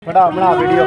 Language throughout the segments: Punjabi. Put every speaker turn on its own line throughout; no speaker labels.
ਬਣਾ ਵੀਡੀਓ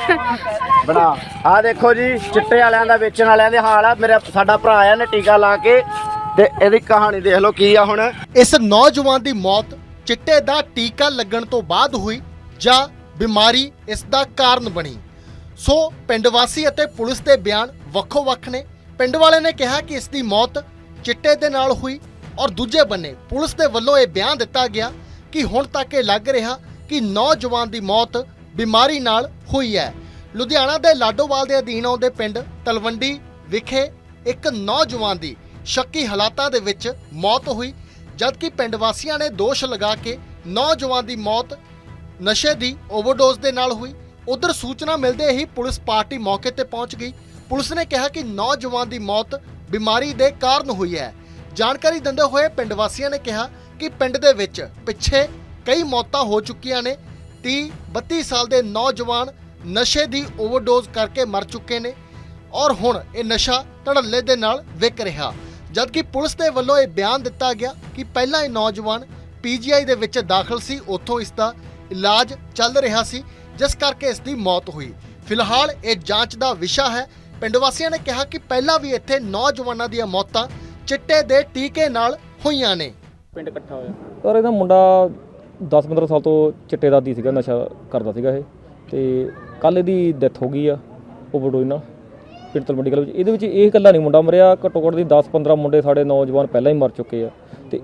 ਬਣਾ। ਆ ਦੇਖੋ ਜੀ ਚਿੱਟੇ ਵਾਲਿਆਂ ਦਾ ਵੇਚਣ ਵਾਲਿਆਂ ਦੇ ਹਾਲ ਆ। ਮੇਰਾ ਸਾਡਾ ਭਰਾ ਆ ਨੇ ਟੀਕਾ ਲਾ ਕੇ ਤੇ ਇਹਦੀ ਕਹਾਣੀ ਦੇਖ ਲਓ ਕੀ ਆ। ਹੁਣ
ਇਸ ਨੌਜਵਾਨ ਦੀ ਮੌਤ ਚਿੱਟੇ ਦਾ ਟੀਕਾ ਲੱਗਣ ਤੋਂ ਬਾਅਦ ਹੋਈ ਜਾਂ ਬਿਮਾਰੀ ਇਸ ਦਾ ਕਾਰਨ ਬਣੀ। ਸੋ ਪਿੰਡ ਵਾਸੀ ਅਤੇ ਪੁਲਿਸ ਦੇ ਬਿਆਨ ਵੱਖੋ-ਵੱਖ ਨੇ। ਪਿੰਡ ਵਾਲੇ ਨੇ ਕਿਹਾ ਕਿ ਇਸ ਦੀ ਮੌਤ ਚਿੱਟੇ ਦੇ ਨਾਲ ਹੋਈ ਔਰ ਦੂਜੇ ਬੰਨੇ ਪੁਲਿਸ ਦੇ ਵੱਲੋਂ ਇਹ ਬਿਆਨ ਦਿੱਤਾ ਗਿਆ ਕਿ ਹੁਣ ਤੱਕ ਇਹ ਲੱਗ ਰਿਹਾ ਕਿ ਨੌਜਵਾਨ ਦੀ ਮੌਤ ਬਿਮਾਰੀ ਨਾਲ ਹੋਈ ਹੈ। ਲੁਧਿਆਣਾ ਦੇ ਲਾਡੋਵਾਲ ਦੇ ਅਧੀਨ ਆਉਂਦੇ ਪਿੰਡ ਤਲਵੰਡੀ ਵਿਖੇ ਇੱਕ ਨੌਜਵਾਨ ਦੀ ਸ਼ੱਕੀ ਹਾਲਾਤਾਂ ਦੇ ਵਿੱਚ ਮੌਤ ਹੋਈ, ਜਦਕਿ ਪਿੰਡ ਵਾਸੀਆਂ ਨੇ ਦੋਸ਼ ਲਗਾ ਕੇ ਨੌਜਵਾਨ ਦੀ ਮੌਤ ਨਸ਼ੇ ਦੀ ਓਵਰਡੋਜ਼ ਦੇ ਨਾਲ ਹੋਈ। ਉਧਰ ਸੂਚਨਾ ਮਿਲਦੇ ਹੀ ਪੁਲਿਸ ਪਾਰਟੀ ਮੌਕੇ ਤੇ ਪਹੁੰਚ ਗਈ। ਪੁਲਿਸ ਨੇ ਕਿਹਾ ਕਿ ਨੌਜਵਾਨ ਦੀ ਮੌਤ ਬਿਮਾਰੀ ਦੇ ਕਾਰਨ ਹੋਈ ਹੈ। ਜਾਣਕਾਰੀ ਦਿੰਦੇ ਹੋਏ ਪਿੰਡ ਵਾਸੀਆਂ ਨੇ ਕਿਹਾ ਕਿ ਪਿੰਡ ਦੇ ਵਿੱਚ ਪਿੱਛੇ ਕਈ ਮੌਤਾਂ ਹੋ ਚੁੱਕੀਆਂ ਨੇ। 30-32 ਸਾਲ ਦੇ ਨੌਜਵਾਨ ਨਸ਼ੇ ਦੀ ਓਵਰਡੋਜ਼ ਕਰਕੇ ਮਰ ਚੁੱਕੇ ਨੇ ਔਰ ਹੁਣ ਇਹ ਨਸ਼ਾ ਧੜੱਲੇ ਦੇ ਨਾਲ ਵਿਕ ਰਿਹਾ। ਜਦਕਿ ਪੁਲਿਸ ਦੇ ਵੱਲੋਂ ਇਹ ਬਿਆਨ ਦਿੱਤਾ ਗਿਆ ਕਿ ਪਹਿਲਾਂ ਇਹ ਨੌਜਵਾਨ PGI ਦੇ ਵਿੱਚ ਦਾਖਲ ਸੀ, ਉੱਥੋਂ ਇਸ ਦਾ ਇਲਾਜ ਚੱਲ ਰਿਹਾ ਸੀ, ਜਿਸ ਕਰਕੇ ਇਸ ਦੀ ਮੌਤ ਹੋਈ। ਫਿਲਹਾਲ ਇਹ ਜਾਂਚ ਦਾ ਵਿਸ਼ਾ ਹੈ। ਪਿੰਡ ਵਾਸੀਆਂ ਨੇ ਕਿਹਾ ਕਿ ਪਹਿਲਾਂ ਵੀ ਇੱਥੇ ਨੌਜਵਾਨਾਂ ਦੀਆਂ ਮੌਤਾਂ ਚਿੱਟੇ ਦੇ ਟੀਕੇ ਨਾਲ ਹੋਈਆਂ ਨੇ।
ਪਿੰਡ ਇਕੱਠਾ ਹੋਇਆ
ਪਰ ਇਹਦਾ ਮੁੰਡਾ 10-15 ਸਾਲ ਤੋਂ ਚਿੱਟੇ ਦਾ ਆਦੀ ਸੀਗਾ, ਨਸ਼ਾ ਕਰਦਾ ਸੀਗਾ ਇਹ। ਤੇ ਕੱਲ ਇਹਦੀ ਡੈਥ ਹੋ ਗਈ ਆ ਓਵਰਡੋਜ਼ ਨਾਲ ਪਿੰਡ ਤਲਵੰਡੀ ਕਲਾਂ ਵਿੱਚ। ਇਹਦੇ ਵਿੱਚ ਇਹ ਇਕੱਲਾ ਨਹੀਂ ਮੁੰਡਾ ਮਰਿਆ, ਘੱਟੋ ਘੱਟ ਦੀ 10-15 ਮੁੰਡੇ ਸਾਡੇ ਨੌਜਵਾਨ ਪਹਿਲਾਂ ਹੀ ਮਰ ਚੁੱਕੇ ਆ। ਤੇ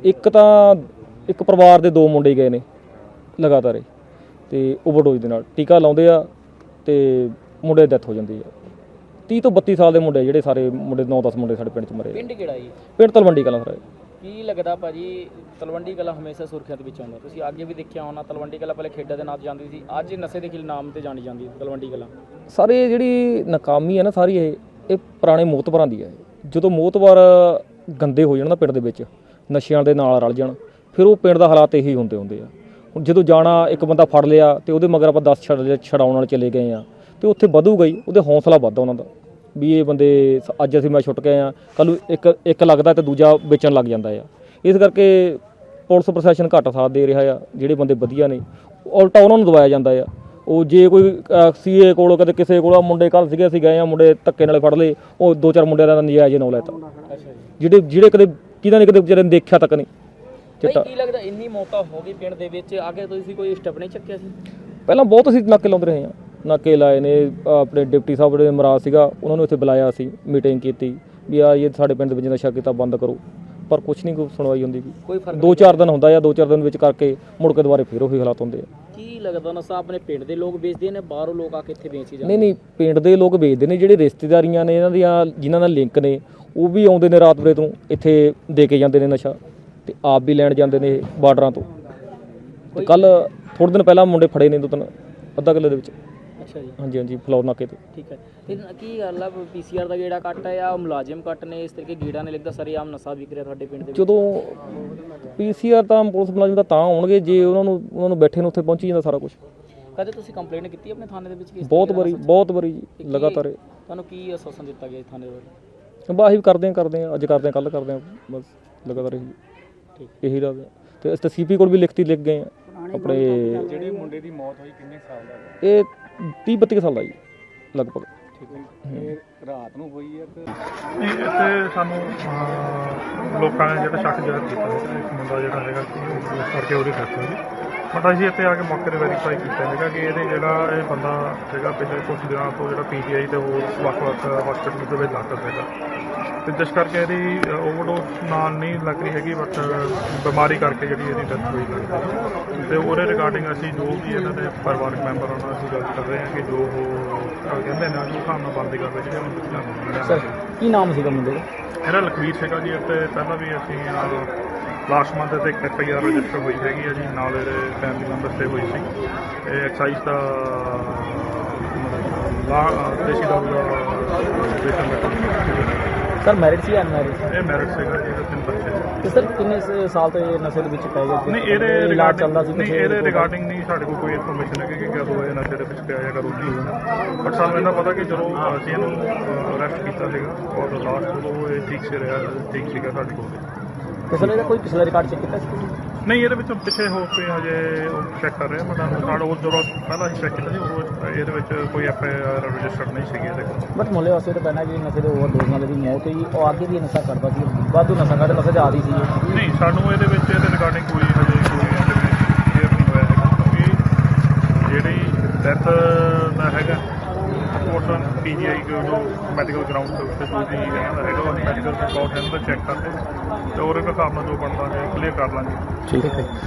ਇੱਕ ਪਰਿਵਾਰ ਦੇ 2 ਮੁੰਡੇ ਗਏ ਨੇ ਲਗਾਤਾਰ ਤੇ ਓਵਰਡੋਜ਼ ਦੇ ਨਾਲ ਟੀਕਾ ਲਾਉਂਦੇ ਆ ਤੇ ਮੁੰਡੇ ਦੀ ਡੈਥ ਹੋ ਜਾਂਦੀ ਆ। 30 ਤੋਂ 32 ਸਾਲ ਦੇ ਮੁੰਡੇ ਜਿਹੜੇ ਸਾਰੇ ਮੁੰਡੇ 9-10 ਮੁੰਡੇ ਸਾਡੇ ਪਿੰਡ 'ਚ ਮਰੇ।
ਪਿੰਡ ਕਿਹੜਾ ਜੀ?
ਪਿੰਡ ਤਲਵੰਡੀ ਕਲਾਂ ਸਰ।
ਕੀ ਲੱਗਦਾ ਭਾਜੀ ਤਲਵੰਡੀ ਕਲਾਂ ਹਮੇਸ਼ਾ ਸੁਰਖੀਆਂ ਦੇ ਵਿੱਚ ਆਉਂਦਾ? ਤੁਸੀਂ ਅੱਗੇ ਵੀ ਦੇਖਿਆ ਹੋਣਾ ਤਲਵੰਡੀ ਕਲਾਂ ਪਹਿਲੇ ਖੇਡਾਂ ਦੇ ਨਾਂ 'ਤੇ ਜਾਂਦੀ ਸੀ, ਅੱਜ ਨਸ਼ੇ ਦੇ ਨਾਮ 'ਤੇ ਜਾਣੀ ਜਾਂਦੀ ਤਲਵੰਡੀ ਕਲਾਂ।
ਸਾਰੇ ਜਿਹੜੀ ਨਾਕਾਮੀ ਹੈ ਨਾ ਸਾਰੀ ਇਹ ਪੁਰਾਣੇ ਮੋਤਬਰਾਂ ਦੀ ਹੈ। ਜਦੋਂ ਮੋਤਬਰ ਗੰਦੇ ਹੋ ਜਾਣ ਨਾ ਪਿੰਡ ਦੇ ਵਿੱਚ, ਨਸ਼ਿਆਂ ਦੇ ਨਾਲ ਰਲ ਜਾਣ, ਫਿਰ ਉਹ ਪਿੰਡ ਦਾ ਹਾਲਾਤ ਇਹੀ ਹੁੰਦੇ ਆ। ਹੁਣ ਜਦੋਂ ਜਾਣਾ ਇੱਕ ਬੰਦਾ ਫੜ ਲਿਆ ਤੇ ਉਹਦੇ ਮਗਰ ਆਪਾਂ 10 ਛਡਾਉਣ ਨਾਲ ਚਲੇ ਗਏ ਆ ਤੇ ਉੱਥੇ ਵਧੂਗਾ ਹੀ, ਉਹਦੇ ਹੌਸਲਾ ਵੱਧਦਾ ਉਹਨਾਂ ਦਾ ਵੀ ਇਹ ਬੰਦੇ ਅੱਜ ਅਸੀਂ ਮੈਂ ਛੁੱਟ ਗਏ ਆ, ਕੱਲ੍ਹ ਨੂੰ ਇੱਕ ਲੱਗਦਾ ਤੇ ਦੂਜਾ ਵੇਚਣ ਲੱਗ ਜਾਂਦਾ ਆ। ਇਸ ਕਰਕੇ ਪੁਲਿਸ ਪ੍ਰਸ਼ਾਸਨ ਘੱਟ ਸਾਥ ਦੇ ਰਿਹਾ ਆ। ਜਿਹੜੇ ਬੰਦੇ ਵਧੀਆ ਨੇ ਉਲਟਾ ਉਹਨਾਂ ਨੂੰ ਦਵਾਇਆ ਜਾਂਦਾ ਆ। ਉਹ ਜੇ ਕੋਈ CA ਕੋਲ ਕਦੇ ਕਿਸੇ ਕੋਲ ਮੁੰਡੇ ਕੱਲ੍ਹ ਸੀਗੇ, ਅਸੀਂ ਗਏ ਆ, ਮੁੰਡੇ ਧੱਕੇ ਨਾਲ ਫੜ ਲਏ, ਉਹ 2-4 ਮੁੰਡਿਆਂ ਦਾ ਨਜਾਇਜ਼ ਨਾਂ ਲੈਤਾ, ਜਿਹੜੇ ਕਦੇ ਕਿਹਦਾ ਨੇ ਕਦੇ ਵਿਚਾਰੇ ਨੇ ਦੇਖਿਆ ਤੱਕ ਨਹੀਂ ਚਿੱਟਾ।
ਕੀ ਲੱਗਦਾ ਇੰਨੀ ਮੌਤਾਂ ਹੋ ਗਈ ਪਿੰਡ ਦੇ ਵਿੱਚ, ਅੱਗੇ ਤੁਸੀਂ ਕੋਈ ਸਟੈਪ ਨਹੀਂ ਚੱਕਿਆ ਸੀ?
ਪਹਿਲਾਂ ਬਹੁਤ ਅਸੀਂ ਨਾਕੇ ਲਾਉਂਦੇ ਰਹੇ ਹਾਂ, ਨਾਕੇ ਲਾਏ ਨੇ। ਆਪਣੇ ਡਿਪਟੀ ਸਾਹਿਬ ਜਿਹੜੇ ਮਹਾਰਾਜ ਸੀਗਾ ਉਹਨਾਂ ਨੂੰ ਇੱਥੇ ਬੁਲਾਇਆ ਸੀ, ਮੀਟਿੰਗ ਕੀਤੀ ਵੀ ਆ ਇਹ ਸਾਡੇ ਪਿੰਡ ਦੇ ਵਿੱਚ ਨਸ਼ਾ ਕੀਤਾ ਬੰਦ ਕਰੋ, ਪਰ ਕੁਛ ਨਹੀਂ ਕੋਈ ਸੁਣਵਾਈ ਹੁੰਦੀ।
ਕੋਈ ਫਰਕ
2-4 ਦਿਨ ਹੁੰਦਾ ਆ, 2-4 ਦਿਨ ਵਿੱਚ ਕਰਕੇ ਮੁੜ ਕੇ ਦੁਬਾਰੇ ਫਿਰ ਉਹੀ ਹਾਲਾਤ ਹੁੰਦੇ ਆ।
ਕੀ ਲੱਗਦਾ ਨਸ਼ਾ ਆਪਣੇ ਪਿੰਡ ਦੇ ਲੋਕ ਵੇਚਦੇ ਨੇ, ਬਾਹਰੋਂ ਲੋਕ ਆ ਕੇ ਇੱਥੇ ਵੇਚ ਜਾਂਦੇ?
ਨਹੀਂ ਪਿੰਡ ਦੇ ਲੋਕ ਵੇਚਦੇ ਨੇ। ਜਿਹੜੇ ਰਿਸ਼ਤੇਦਾਰੀਆਂ ਨੇ ਇਹਨਾਂ ਦੀਆਂ, ਜਿਨ੍ਹਾਂ ਨਾਲ ਲਿੰਕ ਨੇ, ਉਹ ਵੀ ਆਉਂਦੇ ਨੇ ਰਾਤ ਵੇਲੇ ਤੋਂ ਇੱਥੇ ਦੇ ਕੇ ਜਾਂਦੇ ਨੇ ਨਸ਼ਾ ਤੇ ਆਪ ਵੀ ਲੈਣ ਜਾਂਦੇ ਨੇ ਬਾਰਡਰਾਂ ਤੋਂ। ਤੇ ਕੱਲ ਥੋੜ੍ਹੇ ਦਿਨ ਪਹਿਲਾਂ ਮੁੰਡੇ ਫੜੇ ਨੇ 2-3 ਅੱਧਾ ਕਿੱਲੇ ਦੇ ਵਿੱਚ।
ਅੱਛਾ ਜੀ।
ਹਾਂਜੀ ਫਲੋਰ ਨਾਕੇ ਤੇ।
ਠੀਕ ਹੈ। ਤੇ ਕੀ ਗੱਲ ਆ PCR ਦਾ ਗੇੜਾ ਕੱਟ ਹੈ ਜਾਂ ਮੁਲਾਜ਼ਮ ਕੱਟ ਨੇ ਇਸ ਤਰੀਕੇ ਗੇੜਾ ਨਹੀਂ ਲੱਗਦਾ? ਸਰੇਆਮ ਨਸ਼ਾ ਵਿਕ ਰਿਹਾ ਤੁਹਾਡੇ ਪਿੰਡ ਦੇ ਵਿੱਚ।
ਜਦੋਂ PCR ਤਾਂ ਪੁਲਿਸ ਮੁਲਾਜ਼ਮ ਤਾਂ ਆਉਣਗੇ ਜੇ ਉਹਨਾਂ ਨੂੰ ਬੈਠੇ ਨੂੰ ਉੱਥੇ ਪਹੁੰਚੀ ਜਾਂਦਾ ਸਾਰਾ ਕੁਝ।
ਕਦੇ ਤੁਸੀਂ ਕੰਪਲੇਂਟ ਕੀਤੀ ਆਪਣੇ ਥਾਣੇ ਦੇ ਵਿੱਚ?
ਬਹੁਤ ਵਾਰੀ ਜੀ, ਲਗਾਤਾਰ।
ਤੁਹਾਨੂੰ ਕੀ ਆਸ਼ਵਾਸਨ ਦਿੱਤਾ ਗਿਆ ਥਾਣੇ ਵੱਲੋਂ?
ਬਸ ਅਸੀਂ ਕਰਦੇ ਹਾਂ, ਅੱਜ ਕਰਦੇ ਹਾਂ, ਕੱਲ੍ਹ ਕਰਦੇ ਹਾਂ, ਬਸ ਲਗਾਤਾਰ ਇਹੀ ਰੱਖਦੇ। ਤੇ ਅਸੀਂ ਤਾਂ CP ਕੋਲ ਵੀ ਲਿਖ ਗਏ ਆ ਆਪਣੇ।
ਜਿਹੜੇ ਮੁੰਡੇ ਦੀ ਮੌਤ ਹੋਈ ਕਿੰਨੇ ਸਾਲ ਦਾ?
ਇਹ 30-32 ਸਾਲ ਦਾ ਜੀ ਲਗਭਗ।
ਇਹ ਰਾਤ ਨੂੰ ਹੋਈ ਹੈ ਤੇ ਇੱਥੇ ਸਾਨੂੰ ਲੋਕਾਂ ਨੇ ਜਿਹੜਾ ਸ਼ੱਕ ਜ਼ਾਹਰ ਕੀਤਾ ਹੈ ਇੱਕ ਮੁੰਡਾ ਜਿਹੜਾ ਹੈਗਾ ਉਸ ਕਰਕੇ ਉਹਦੀ ਡੈਥ ਹੋਈ। ਬਟ ਅਸੀਂ ਇੱਥੇ ਆ ਕੇ ਮੌਕੇ 'ਤੇ ਵੈਰੀਫਾਈ ਕੀਤਾ ਹੈਗਾ ਕਿ ਇਹ ਬੰਦਾ ਹੈਗਾ ਪਿਛਲੇ ਕੁਝ ਦਿਨਾਂ ਤੋਂ ਜਿਹੜਾ PGI ਤੇ ਹੋਰ ਵੱਖ-ਵੱਖ ਹਸਪੀਟਲ ਦੇ ਵਿੱਚ ਦਾਖਲ ਹੈਗਾ ਤੇ ਜਿਸ ਕਰਕੇ ਇਹਦੀ ਓਵਰਡੋਜ਼ ਨਾਲ ਨਹੀਂ ਲੱਗ ਰਹੀ ਹੈਗੀ, ਬਟ ਬਿਮਾਰੀ ਕਰਕੇ ਜਿਹੜੀ ਇਹਦੀ ਡੈਥ ਹੋਈ ਲੱਗਦੀ। ਤੇ ਉਹਦੇ ਰਿਗਾਰਡਿੰਗ ਅਸੀਂ ਜੋ ਵੀ ਇਹਨਾਂ ਦੇ ਪਰਿਵਾਰਕ ਮੈਂਬਰ ਉਹਨਾਂ ਨਾਲ ਅਸੀਂ ਗੱਲ ਕਰ ਰਹੇ ਹਾਂ ਕਿ ਜੋ ਉਹ ਕਹਿੰਦੇ ਨੇ ਉਸ ਹਿਸਾਬ ਨਾਲ ਬੰਦੀ ਕਰਦੇ ਜਿਹੜੇ
ਸਰ ਕੀ ਨਾਮ ਸੀਗਾ ਮੁੰਡੇ ਦਾ?
ਇਹਦਾ ਲਖਵੀਰ ਸੀਗਾ ਜੀ। ਅਤੇ ਪਹਿਲਾਂ ਵੀ ਅਸੀਂ ਲਾਸਟ ਮੰਥ ਤੇ FIR ਰਜਿਸਟਰ ਹੋਈ ਹੈਗੀ ਹੈ ਜੀ, ਨਾਲ ਇਹਦੇ ਫੈਮਿਲੀ ਮੈਂਬਰਸ 'ਤੇ ਹੋਈ ਸੀ। ਇਹ ਐਕਸਾਈਜ਼ ਦਾ ਦੇਸੀ ਦਾਰੂ ਦਾ
ਸਰ ਮੈਰਿਡ ਸੀ ਜਾਂ ਅਨਮੈਰਿਡ?
ਇਹ ਮੈਰਿਟ ਸੀਗਾ ਜੀ, ਇਹਦੇ 3 ਬੱਚੇ।
ਤੇ ਸਰ ਕਿੰਨੇ ਸਾਲ ਤੋਂ ਇਹ ਨਸ਼ੇ ਦੇ ਵਿੱਚ ਪੈ ਗਏ?
ਨਹੀਂ ਇਹਦੇ ਰਿਗਾਰਡਿੰਗ ਨਹੀਂ ਸਾਡੇ ਕੋਲ ਕੋਈ ਇਨਫੋਰਮੇਸ਼ਨ ਹੈ ਕਿ ਕਦੋਂ ਇਹ ਨਸ਼ੇ ਦੇ ਵਿੱਚ ਪਿਆ ਜਾਂ ਕਦੋਂ ਕੀ ਹੋਇਆ। ਬਟ ਸਾਨੂੰ ਇਹਨਾਂ ਪਤਾ ਕਿ ਜਦੋਂ ਅਸੀਂ ਇਹਨੂੰ ਅਰੈਸਟ ਕੀਤਾ ਸੀਗਾ ਔਰ ਲਾਸਟ ਜਦੋਂ ਇਹ ਠੀਕ ਸੀਗਾ ਸਾਡੇ ਕੋਲ।
ਤੇ ਸਰ ਇਹਦਾ ਕੋਈ ਪਿਛਲਾ ਰਿਕਾਰਡ ਚੈੱਕ ਕੀਤਾ ਸੀ?
ਨਹੀਂ ਇਹਦੇ ਵਿੱਚ ਪਿੱਛੇ ਹੋ ਕੇ ਹਜੇ ਚੈੱਕ ਕਰ ਰਹੇ ਹਾਂ ਬਟ ਸਾਡੇ ਉਹ ਜਦੋਂ ਪਹਿਲਾਂ ਅਸੀਂ ਚੈੱਕ ਕੀਤਾ ਸੀ ਉਹ ਇਹਦੇ ਵਿੱਚ ਕੋਈ FIR ਰਜਿਸਟਰਡ ਨਹੀਂ ਸੀਗੀ ਇਹਦੇ ਕੋਲ।
ਬਟ ਮੁੱਲੇ ਵਾਸਤੇ ਤਾਂ ਪਹਿਲਾਂ ਜੀ ਨਸ਼ੇ ਦੇ ਓਵਰਡੋਜ਼ ਨਾਲ ਦੀ ਮੌਤ ਹੋਈ, ਉਹ ਅੱਗੇ ਵੀ ਨਸ਼ਾ ਕਰਦਾ ਸੀ, ਵਾਧੂ ਨਸ਼ਾ ਕਰਦੇ, ਨਸ਼ੇ ਦੇ ਆਦੀ ਸੀ।
ਨਹੀਂ ਸਾਨੂੰ ਇਹਦੇ ਵਿੱਚ ਇਹਦੇ ਰਿਗਾਰਡਿੰਗ ਕੋਈ ਹਜੇ ਕੋਈ ਕਲੀਅਰ ਨਹੀਂ ਹੋਇਆ ਹੈਗਾ ਕਿਉਂਕਿ ਜਿਹੜੀ ਡੈਥ ਦਾ ਹੈਗਾ ਪੋਰਸ਼ਨ PGI ਜੋ ਮੈਡੀਕਲ ਗਰਾਊਂਡ ਦੇ ਉੱਤੇ ਜੋ ਵੀ ਹੈਗਾ ਉਹ ਮੈਡੀਕਲ ਰਿਪੋਰਟ ਇਹਨਾਂ ਦਾ ਚੈੱਕ ਕਰਦੇ ਤੇ ਉਹਦੇ ਹਿਸਾਬ ਨਾਲ ਜੋ ਬਣਦਾ ਹੈ ਕਲੀਅਰ ਕਰ ਲਾਂਗੇ।
ਠੀਕ ਹੈ।